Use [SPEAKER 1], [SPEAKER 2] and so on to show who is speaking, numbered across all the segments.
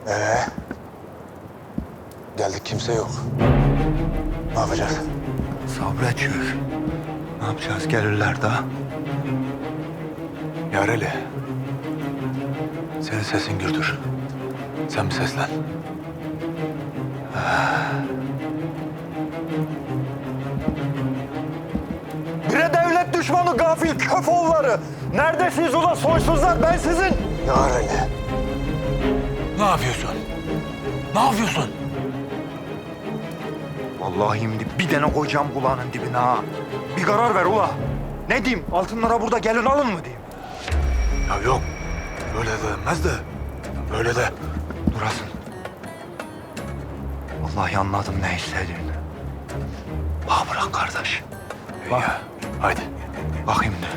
[SPEAKER 1] Geldik kimse yok. Ne yapacağız?
[SPEAKER 2] Sabredeceğiz. Ne yapacağız? Gelirler daha. Yareli. Senin sesin gürdür. Sen bir seslen.
[SPEAKER 3] Bire devlet düşmanı gafil köfoğulları. Neredesiniz ulan soysuzlar? Ben sizin.
[SPEAKER 1] Yareli.
[SPEAKER 2] Ne yapıyorsun? Ne yapıyorsun?
[SPEAKER 4] Vallahi şimdi bir tane koyacağım kulağının dibine ha. Bir karar ver ula. Ne diyeyim? Altınlara burada gelin alın mı diyeyim?
[SPEAKER 2] Ya yok. Böyle de denmez de. Böyle de.
[SPEAKER 4] Durasın. Vallahi anladım ne istediğini. Bana bırak kardeş.
[SPEAKER 2] Bak. Ya, haydi.
[SPEAKER 4] Bakayım de.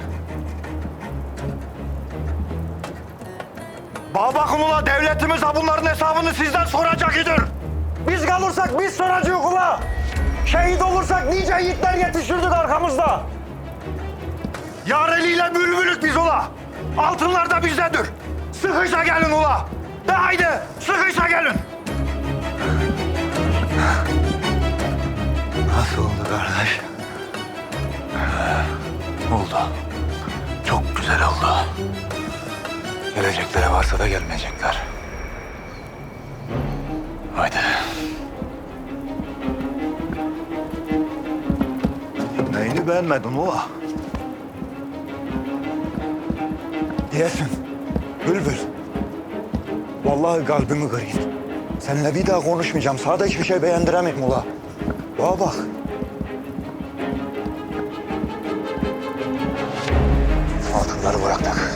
[SPEAKER 4] Bana bakın ula, devletimiz ha bunların hesabını sizden soracak idir.
[SPEAKER 3] Biz kalırsak biz soracağız ula. Şehit olursak nice yiğitler yetiştirdik arkamızda.
[SPEAKER 4] Yareliyle bülbülük biz ula. Altınlar da bizdedir. Sıkıysa gelin ula. De haydi sıkıysa gelin.
[SPEAKER 2] Nasıl oldu kardeş? Oldu. Çok güzel oldu. Gelecekleri varsa da gelmeyecekler. Haydi.
[SPEAKER 4] Neyini beğenmedin ula? Diyesin. Bülbül. Vallahi kalbimi kırayım. Seninle bir daha konuşmayacağım. Sana da hiçbir şey beğendiremeyim ula. Bana bak.
[SPEAKER 1] Altınları bıraktık.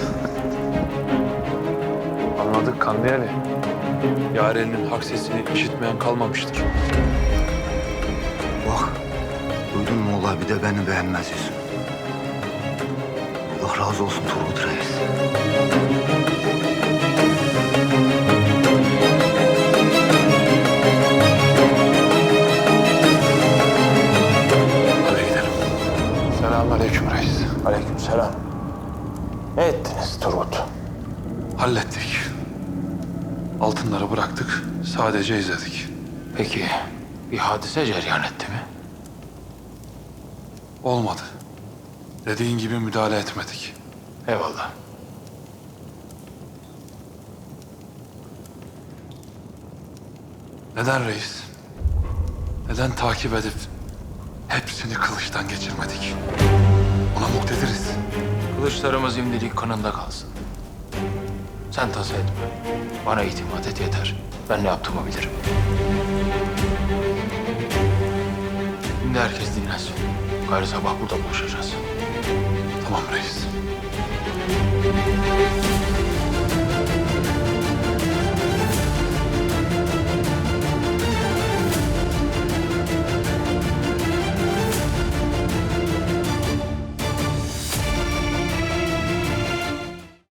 [SPEAKER 5] Anladık Kandiyali. Yaren'in hak sesini işitmeyen kalmamıştır.
[SPEAKER 4] Bak. Duydun mu ula, bir de beni beğenmez yüzün. Allah razı olsun Turgut Reis.
[SPEAKER 2] Hadi gidelim.
[SPEAKER 5] Selamünaleyküm reis.
[SPEAKER 1] Aleykümselam. Ne ettiniz Turgut?
[SPEAKER 5] Hallettik. Altınları bıraktık. Sadece izledik.
[SPEAKER 6] Peki bir hadise cereyan etti mi?
[SPEAKER 5] Olmadı. Dediğin gibi müdahale etmedik.
[SPEAKER 6] Eyvallah.
[SPEAKER 5] Neden reis? Neden takip edip hepsini kılıçtan geçirmedik? Ona muktediriz.
[SPEAKER 6] Kılıçlarımız imdilik kanında kalsın. Sen tasa etme. Bana itimat et yeter. Ben ne yaptığımı bilirim. Şimdi herkes dinlensin. Gayrı sabah burada buluşacağız.
[SPEAKER 5] Tamam reis.